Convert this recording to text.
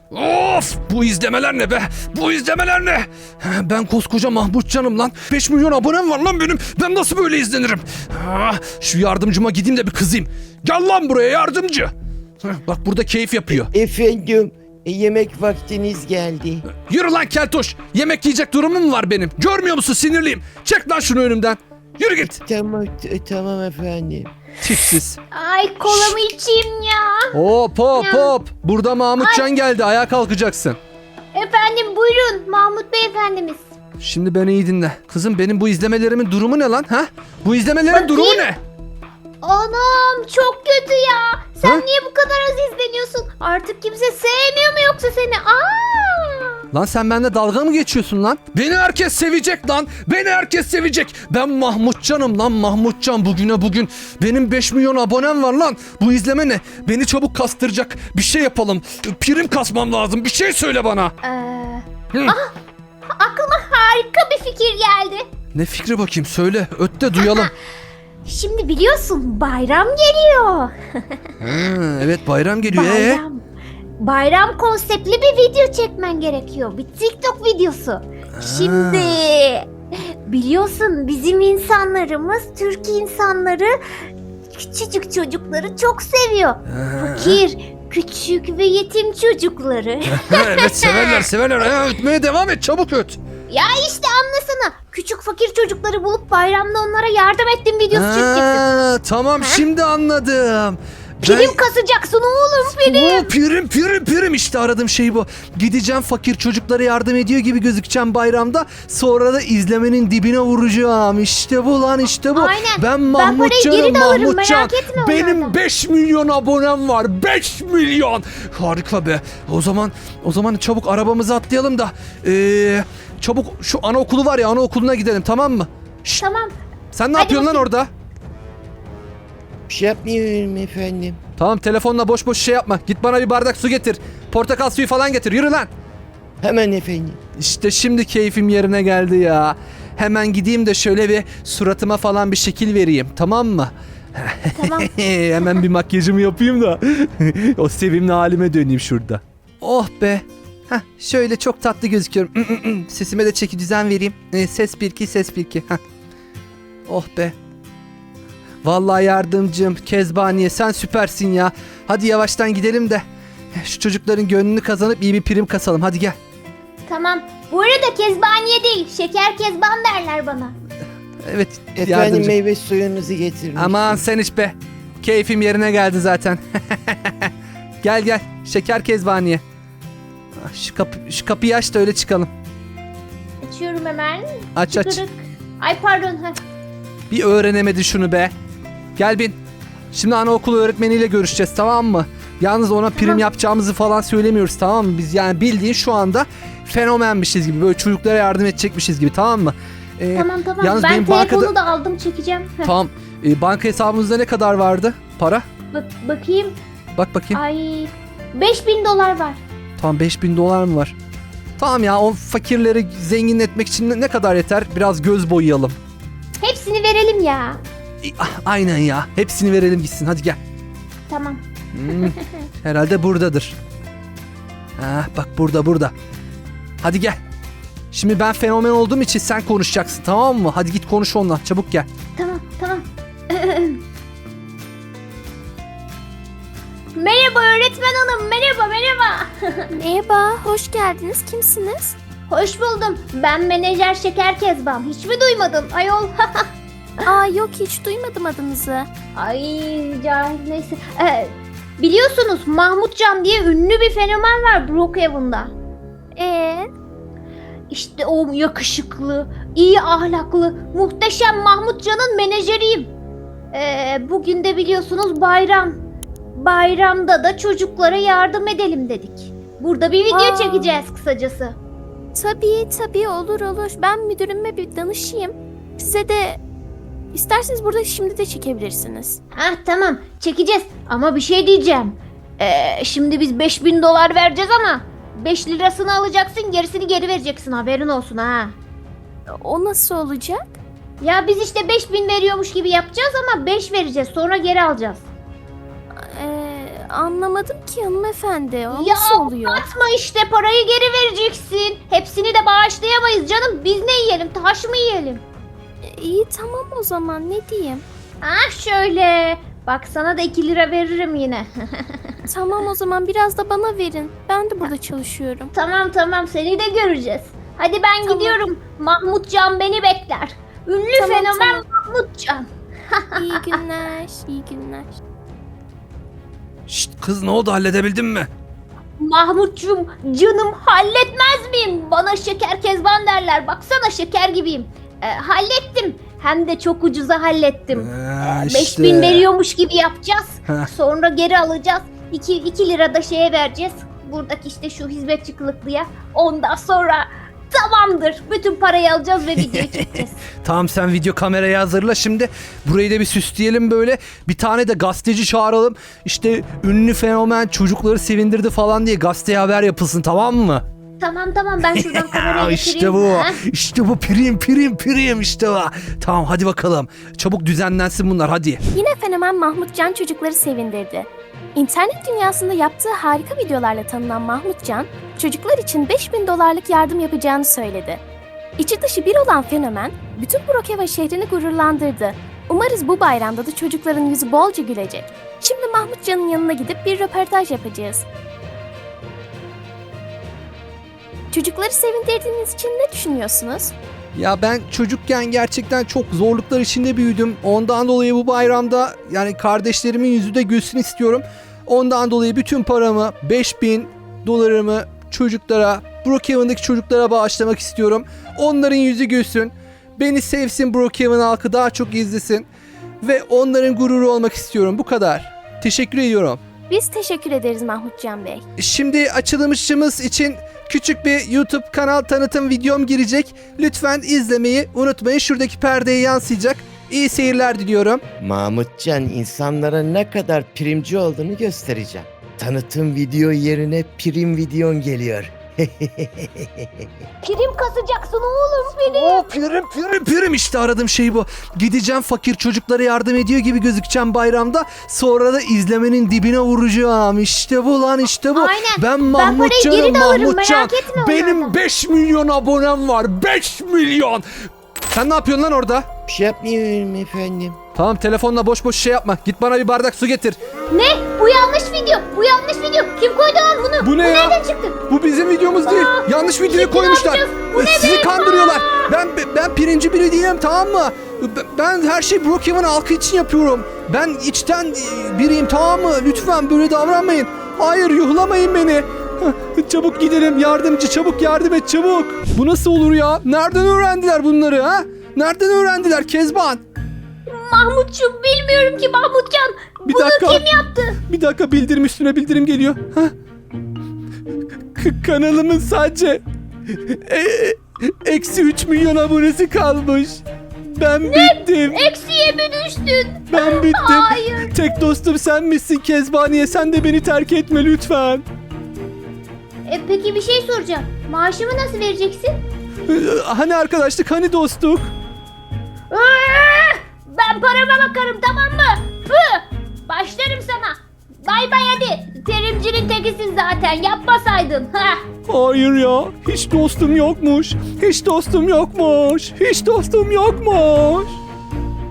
Of, bu izlemeler ne be? Bu izlemeler ne? Ben koskoca Mahmutcan'ım lan. 5 milyon abonem var lan benim. Ben nasıl böyle izlenirim? Şu yardımcıma gideyim de bir kızayım. Gel lan buraya yardımcı. Bak burada keyif yapıyor. Efendim, yemek vaktiniz geldi. Yürü lan keltoş. Yemek yiyecek durumum var benim. Görmüyor musun, sinirliyim. Çek lan şunu önümden. Yürü git. Tamam efendim. Tipsiz. Ay kolamı içeyim ya. Hop hop hop. Burada Mahmutcan geldi. Ayağa kalkacaksın. Efendim buyurun Mahmut Bey efendimiz. Şimdi beni iyi dinle. Kızım benim bu izlemelerimin durumu ne lan? Ha? Bu izlemelerin Bakayım. durumu ne? Anam çok kötü ya. Sen Ha? niye bu kadar az izleniyorsun? Artık kimse sevmiyor mu yoksa seni? Lan sen benimle dalga mı geçiyorsun lan? Beni herkes sevecek lan. Beni herkes sevecek. Ben Mahmutcan'ım lan, Mahmutcan bugüne bugün. Benim 5 milyon abonem var lan. Bu izleme ne? Beni çabuk kastıracak. Bir şey yapalım. Prim kasmam lazım. Bir şey söyle bana. Hı. Aklıma harika bir fikir geldi. Ne fikri bakayım, söyle. Öt de duyalım. Şimdi biliyorsun bayram geliyor. Ha, evet bayram geliyor. Bayram konseptli bir video çekmen gerekiyor. Bir TikTok videosu. Şimdi biliyorsun bizim insanlarımız, Türk insanları küçücük çocukları çok seviyor. Fakir, küçük ve yetim çocukları. Evet severler. Ötmeye devam et, çabuk öt. Ya işte anlasana. Küçük fakir çocukları bulup bayramda onlara yardım ettim videosu çekeceksin. Tamam şimdi anladım. Prim kasacaksın oğlum prim. Prim işte aradığım şey bu. Gideceğim fakir çocuklara yardım ediyor gibi gözükeceğim bayramda. Sonra da izlemenin dibine vuracağım. İşte bu lan, işte bu. Aynen. Ben Ben parayı geri Mahmutcan'ım, de alırım, Mahmutcan. merak etme Benim onlardan. 5 milyon abonem var. 5 milyon. Harika be. O zaman çabuk arabamıza atlayalım da çabuk şu anaokulu var ya, anaokuluna gidelim, tamam mı? Şşt, Tamam. sen ne Hadi yapıyorsun lan bakayım. orada? Bir şey yapmıyorum efendim. Tamam, telefonla boş boş şey yapma. Git bana bir bardak su getir. Portakal suyu falan getir. Yürü lan. Hemen efendim. İşte şimdi keyfim yerine geldi ya. Hemen gideyim de şöyle bir suratıma falan bir şekil vereyim. Tamam mı? Tamam. Hemen bir makyajımı yapayım da o sevimli halime döneyim şurada. Oh be. Heh, şöyle çok tatlı gözüküyorum. Sesime de çeki düzen vereyim. Ses 1-2, ses 1-2. Heh. Oh be. Vallahi yardımcım, Kezbaniye sen süpersin ya. Hadi yavaştan gidelim de şu çocukların gönlünü kazanıp iyi bir prim kasalım. Hadi gel. Tamam. Bu arada kezbaniye değil, şeker kezban derler bana. Evet Efendim yardımcım. meyve suyunuzu getirmiştim. Aman sen iç be. Keyfim yerine geldi zaten. Gel şeker Kezbaniye. Şu kapıyı aç da öyle çıkalım. Açıyorum hemen. Aç. Tıkırık. Ay pardon. Heh. Bir öğrenemedi şunu be. Gel bin. Şimdi anaokulu öğretmeniyle görüşeceğiz, tamam mı? Yalnız ona prim Tamam. yapacağımızı falan söylemiyoruz, tamam mı? Biz yani bildiğin şu anda fenomenmişiz gibi, böyle çocuklara yardım edecekmişiz gibi, tamam mı? Tamam. Yalnız Ben benim telefonu da aldım çekeceğim. Heh. Tamam. Banka hesabımızda ne kadar vardı para? Bakayım. Bak bakayım. Ay 5.000 dolar var. Tamam, 5.000 dolar mı var? Tamam ya, o fakirleri zengin etmek için ne kadar yeter? Biraz göz boyayalım. Hepsini verelim ya. Aynen ya. Hepsini verelim gitsin. Hadi gel. Tamam. Herhalde buradadır. Bak burada. Hadi gel. Şimdi ben fenomen olduğum için sen konuşacaksın, tamam mı? Hadi git konuş onunla. Çabuk gel. Tamam. Merhaba öğretmen hanım. Merhaba. Merhaba, hoş geldiniz. Kimsiniz? Hoş buldum. Ben menajer Şeker Kezban. Hiç mi duymadın ayol? Aa yok, hiç duymadım adınızı. Ay cahil neyse. Biliyorsunuz Mahmutcan diye ünlü bir fenomen var Brookhaven'da. İşte o yakışıklı, iyi ahlaklı, muhteşem Mahmutcan'ın menajeriyim. Bugün de biliyorsunuz bayram. Bayramda da çocuklara yardım edelim dedik. Burada bir video çekeceğiz kısacası. Tabii olur. Ben müdürüme bir danışayım. Size de isterseniz burada şimdi de çekebilirsiniz. Tamam çekeceğiz ama bir şey diyeceğim. Şimdi biz 5.000 dolar vereceğiz ama 5 lirasını alacaksın, gerisini geri vereceksin, haberin olsun ha. O nasıl olacak? Ya biz işte 5.000 veriyormuş gibi yapacağız ama 5 vereceğiz, sonra geri alacağız. Anlamadım ki hanımefendi. O Ya nasıl oluyor? atma işte, parayı geri vereceksin. Hepsini de bağışlayamayız canım. Biz ne yiyelim, taş mı yiyelim? İyi tamam o zaman ne diyeyim? Ah şöyle. Bak sana da 2 lira veririm yine. Tamam o zaman biraz da bana verin. Ben de burada çalışıyorum. Tamam seni de göreceğiz. Hadi ben Tamam. gidiyorum. Mahmutcan beni bekler. Ünlü Tamam, fenomen tamam. Mahmutcan. İyi günler. İyi günler. Şşt kız, ne oldu, halledebildin mi? Mahmutcuğum canım, halletmez miyim? Bana şeker kezban derler. Baksana şeker gibiyim. Hallettim. Hem de çok ucuza hallettim. 5000 veriyormuş gibi yapacağız. Heh. Sonra geri alacağız. 2 lira da şeye vereceğiz. Buradaki işte şu hizmetçi kılıklıya. Ondan sonra tamamdır. Bütün parayı alacağız ve videoyu çekeceğiz. Tamam, sen video kamerayı hazırla şimdi. Burayı da bir süsleyelim böyle. Bir tane de gazeteci çağıralım. İşte ünlü fenomen çocukları sevindirdi falan diye gazeteye haber yapılsın, tamam mı? Tamam ben şuradan kamerayı getireyim. İşte bu. Ha? İşte bu, prim işte bu. Tamam hadi bakalım. Çabuk düzenlensin bunlar, hadi. Yine fenomen Mahmutcan çocukları sevindirdi. İnternet dünyasında yaptığı harika videolarla tanınan Mahmutcan, çocuklar için $5000 yardım yapacağını söyledi. İçi dışı bir olan fenomen, bütün Brookhaven şehrini gururlandırdı. Umarız bu bayramda da çocukların yüzü bolca gülecek. Şimdi Mahmutcan'ın yanına gidip bir röportaj yapacağız. Çocukları sevindirdiğiniz için ne düşünüyorsunuz? Ya ben çocukken gerçekten çok zorluklar içinde büyüdüm. Ondan dolayı bu bayramda yani kardeşlerimin yüzü de gülsün istiyorum. Ondan dolayı bütün paramı, $5000 çocuklara, Brookhaven'daki çocuklara bağışlamak istiyorum. Onların yüzü gülsün. Beni sevsin, Brookhaven halkı daha çok izlesin. Ve onların gururu olmak istiyorum. Bu kadar. Teşekkür ediyorum. Biz teşekkür ederiz Mahmutcan Bey. Şimdi açılışımız için küçük bir YouTube kanal tanıtım videom girecek. Lütfen izlemeyi unutmayın. Şuradaki perdeye yansıyacak. İyi seyirler diliyorum. Mahmutcan, insanlara ne kadar primci olduğunu göstereceğim. Tanıtım video yerine prim videon geliyor. Prim kasacaksın oğlum prim. Prim işte aradığım şey bu. Gideceğim, fakir çocuklara yardım ediyor gibi gözükeceğim bayramda. Sonra da izlemenin dibine vuracağım. İşte bu lan, işte bu. Aynen. Ben parayı Mahmutcan'ım, geri de alırım, Mahmutcan. merak etme Benim onlardan. 5 milyon abonem var. 5 milyon. Sen ne yapıyorsun lan orada? Bir şey yapmıyorum efendim. Tamam, telefonla boş boş şey yapma. Git bana bir bardak su getir. Ne? Bu yanlış video. Kim koydu lan bunu? Bu ne ya? Nereden çıktı? Bu bizim videomuz değil. Yanlış videoyu şimdi ne koymuşlar. yapacağız? Bu ne Sizi be? kandırıyorlar. Ben pirinci biri değilim, tamam mı? Ben her şeyi Brookhaven halkı için yapıyorum. Ben içten biriyim, tamam mı? Lütfen böyle davranmayın. Hayır, yuhlamayın beni. Çabuk gidelim, yardımcı, çabuk yardım et, çabuk. Bu nasıl olur ya? Nereden öğrendiler bunları ha? Nereden öğrendiler Kezban? Mahmutcuğum bilmiyorum ki Mahmutcan. Bir Bunu dakika. kim yaptı? Bir dakika, bildirim üstüne bildirim geliyor. Hah. Kanalımın sadece eksi 3 milyon abonesi kalmış. Ben bittim. Eksiye mi düştün? Ben bittim. Hayır. Tek dostum sen misin Kezbaniye? Sen de beni terk etme lütfen. Peki bir şey soracağım. Maaşımı nasıl vereceksin? Hani arkadaşlık, hani dostluk? Ben parama bakarım, tamam mı? Başlarım sana. Bay bay hadi. Terimcinin tekisin zaten, yapmasaydın. Hayır ya. Hiç dostum yokmuş. Hiç dostum yokmuş.